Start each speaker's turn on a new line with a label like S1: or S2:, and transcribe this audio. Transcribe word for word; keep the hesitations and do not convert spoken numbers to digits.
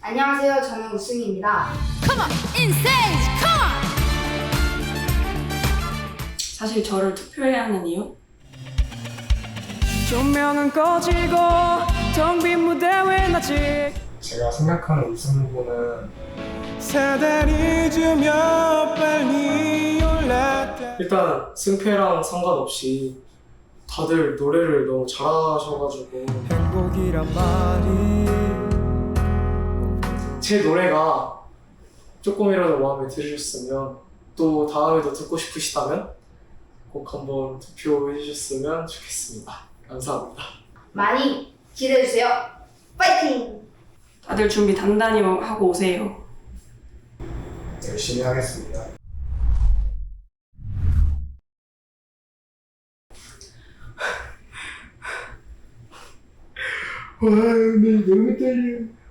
S1: 안녕하세요. 저는 우승입니다.
S2: Come on, insane, come on.
S3: 사실 저를 투표해야 하는 이유?
S4: 조명은 꺼지고 텅 빈 무대 왜 아직
S5: 제가 생각하는 우승 후보는
S4: 사다리 주며 빨리 올랐다.
S5: 일단 승패랑 상관없이 다들 노래를 너무 잘하셔가지고
S4: 행복이란 말이
S5: 제 노래가 조금이라도 마음에 들으셨으면 또 다음에도 듣고 싶으시다면 꼭 한번 투표해 주셨으면 좋겠습니다. 감사합니다.
S1: 많이 기대해주세요. 파이팅!
S3: 다들 준비 단단히 하고 오세요.
S5: 열심히 하겠습니다. 와, 근데 너무 떨려.